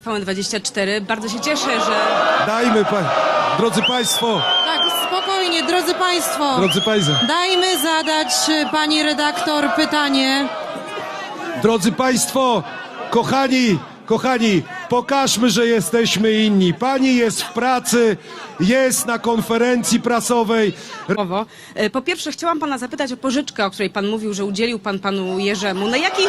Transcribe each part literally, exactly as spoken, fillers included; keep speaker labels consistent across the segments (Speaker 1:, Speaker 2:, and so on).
Speaker 1: T V N dwadzieścia cztery. Bardzo się cieszę, że...
Speaker 2: Dajmy, pa... drodzy Państwo,
Speaker 3: Tak, spokojnie, drodzy Państwo.
Speaker 2: drodzy Państwo,
Speaker 3: Dajmy zadać y, pani redaktor pytanie.
Speaker 2: drodzy Państwo, kochani, kochani, pokażmy, że jesteśmy inni. Pani jest w pracy, jest na konferencji prasowej.
Speaker 1: Słowo. E, Po pierwsze, chciałam pana zapytać o pożyczkę, o której pan mówił, że udzielił pan panu Jerzemu. Na jakich...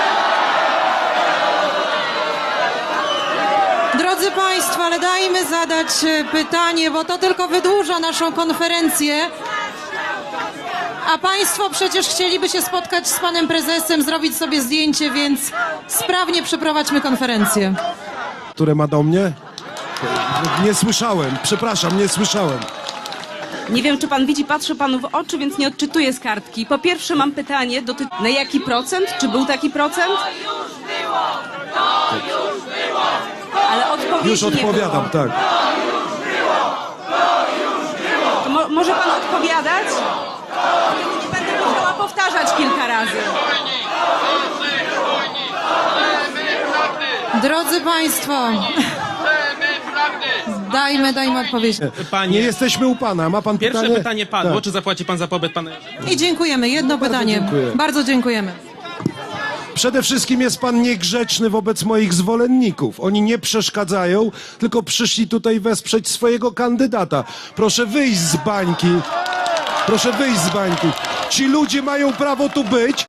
Speaker 3: Drodzy Państwo, ale dajmy zadać y, pytanie, bo to tylko wydłuża naszą konferencję. A Państwo przecież chcieliby się spotkać z panem prezesem, zrobić sobie zdjęcie, więc sprawnie przeprowadźmy konferencję.
Speaker 2: Które ma do mnie? Nie słyszałem, przepraszam, nie słyszałem.
Speaker 1: Nie wiem, czy pan widzi, patrzę panu w oczy, więc nie odczytuję z kartki. Po pierwsze, mam pytanie, doty... na jaki procent? Czy był taki procent? Ale odpowiedzi
Speaker 2: Już
Speaker 1: nie
Speaker 2: odpowiadam,
Speaker 1: było.
Speaker 2: tak.
Speaker 1: To mo może pan odpowiadać? Nie będę musiała powtarzać kilka razy.
Speaker 3: Drodzy Państwo, dajmy, dajmy odpowiedź.
Speaker 2: Nie
Speaker 4: Panie,
Speaker 2: jesteśmy u Pana, ma Pan
Speaker 4: pierwsze
Speaker 2: pytanie?
Speaker 4: pytanie padło.
Speaker 2: Tak.
Speaker 4: Czy zapłaci pan za pobyt pana Jerzego?
Speaker 3: I dziękujemy. Jedno
Speaker 2: Bardzo
Speaker 3: pytanie.
Speaker 2: dziękuję.
Speaker 3: Bardzo dziękujemy.
Speaker 2: Przede wszystkim jest Pan niegrzeczny wobec moich zwolenników. Oni nie przeszkadzają, tylko przyszli tutaj wesprzeć swojego kandydata. Proszę wyjść z bańki. Proszę wyjść z bańki. Ci ludzie mają prawo tu być.